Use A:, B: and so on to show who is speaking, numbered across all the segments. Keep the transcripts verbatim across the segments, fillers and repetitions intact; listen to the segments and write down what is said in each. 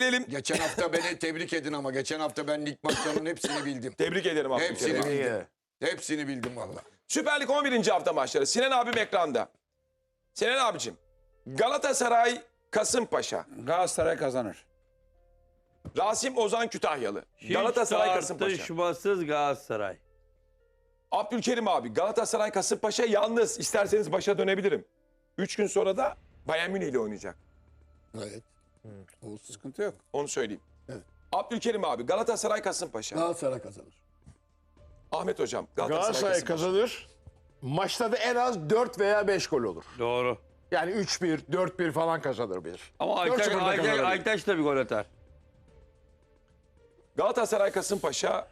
A: gelelim.
B: Geçen hafta beni tebrik edin ama geçen hafta ben lig maçlarının hepsini bildim.
A: Tebrik ederim
B: Hepsini
A: Abdülkerim.
B: bildim. Hepsini bildim valla.
A: Süper Lig on birinci hafta maçları. Sinan abim ekranda. Sinan abicim. Galatasaray Kasımpaşa.
C: Galatasaray kazanır.
A: Rasim Ozan Kütahyalı.
D: Hiç
A: Galatasaray Kasımpaşa.
D: tartışmasız Galatasaray.
A: Abdülkerim abi Galatasaray Kasımpaşa yalnız isterseniz başa dönebilirim. Üç gün sonra da Bayern Münih ile oynayacak.
B: Evet.
C: O sıkıntı yok.
A: Onu söyleyeyim.
B: Evet.
A: Abdülkerim abi Galatasaray Kasımpaşa.
B: Galatasaray kazanır.
A: Ahmet hocam Galatasaray,
E: Galatasaray
A: Kasımpaşa.
E: kazanır. Maçta da en az dört veya beş gol olur.
D: Doğru.
E: Yani üç bir, dört bir falan kazanır bir.
D: Ama
E: Dört
D: Aytaç,
E: sıfırda
D: Aytaç,
E: kazanır.
D: Aytaç da bir gol atar.
A: Galatasaray Kasımpaşa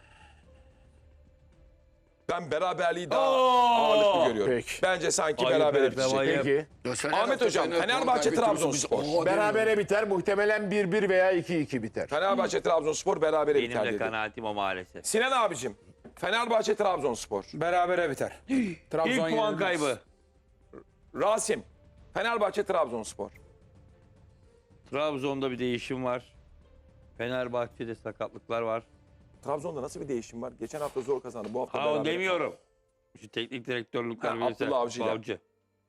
A: ben beraberliği daha
D: Oo!
A: ağırlıklı görüyorum.
E: Peki.
A: Bence sanki
D: Ayıp
A: berabere
D: Ertem,
A: bitecek.
D: ayıp.
E: Peki.
B: Geçen
A: Ahmet
B: hafta
A: hocam,
B: Fener
A: Fenerbahçe,
B: puan kaybediyoruz,
A: Trabzonspor.
B: biz- Oo,
E: Berabere biter. Muhtemelen bir bir veya iki iki biter.
A: Fenerbahçe Trabzonspor berabere
D: Benim
A: biter
D: de
A: dedi.
D: kanaatim o maalesef.
A: Sinan abicim Fenerbahçe Trabzonspor.
C: Berabere biter. Trabzon
D: İlk puan
C: yenilmez.
D: kaybı.
A: Rasim Fenerbahçe Trabzonspor.
D: Trabzon'da bir değişim var. Fenerbahçe'de sakatlıklar var.
A: Trabzon'da nasıl bir değişim var? Geçen hafta zor kazandı. Bu hafta
D: Ha o
A: berabere.
D: demiyorum. Şu teknik direktörlükler
A: Ha,
D: verirse-
A: Abdullah Avcı'yla.
D: Avcı.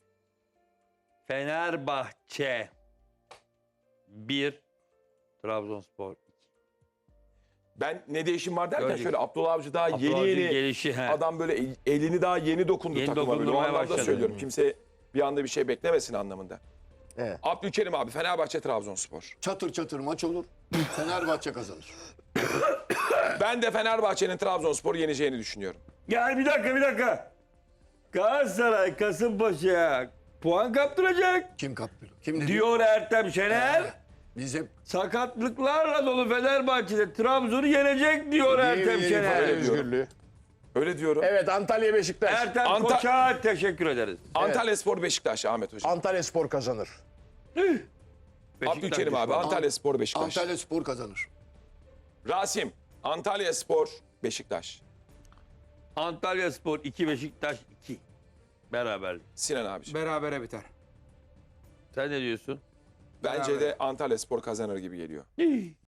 D: Fenerbahçe bir, Trabzonspor iki.
A: Ben ne değişim var derken
D: Gördük.
A: şöyle Abdullah Avcı daha
D: Abdullah
A: yeni
D: Avcı'nın
A: yeni
D: gelişi. he.
A: adam böyle el- elini daha yeni dokundu
D: Yeni
A: takıma böyle. O
D: dokundurmaya
A: anlamda
D: başladı.
A: söylüyorum. Kimse bir anda bir şey beklemesin anlamında.
E: Evet.
A: Abdülkerim abi Fenerbahçe Trabzonspor.
B: Çatır çatır maç olur. Fenerbahçe kazanır.
A: Ben de Fenerbahçe'nin Trabzonspor'u yeneceğini düşünüyorum.
D: Gel bir dakika bir dakika. Galatasaray Kasımpaşa'ya puan kaptıracak
B: Kim kaptırır? Kim dedi?
D: diyor Ertem Şener.
B: Biz hep
D: Sakatlıklarla dolu Fenerbahçe'de Trabzon'u yenecek diyor Ertem
E: Yeni ifade
D: Şener.
E: özgürlüğü.
A: Öyle diyorum.
E: Evet, Antalya Beşiktaş.
D: Ertem
A: Anta-
D: Koç'a teşekkür ederiz.
A: Antalyaspor Beşiktaş Ahmet hocam.
E: Antalya Spor kazanır.
D: Beşiktaş
A: Abdülkerim abi
D: düşmanı.
A: Antalyaspor Beşiktaş.
B: Antalya Spor kazanır.
A: Rasim Antalyaspor Beşiktaş.
D: Antalya Spor iki, Beşiktaş iki. Beraber.
A: Sinan abiciğim.
C: Berabere biter.
D: Sen ne diyorsun?
A: Bence
C: Beraber.
A: de Antalyaspor kazanır gibi geliyor.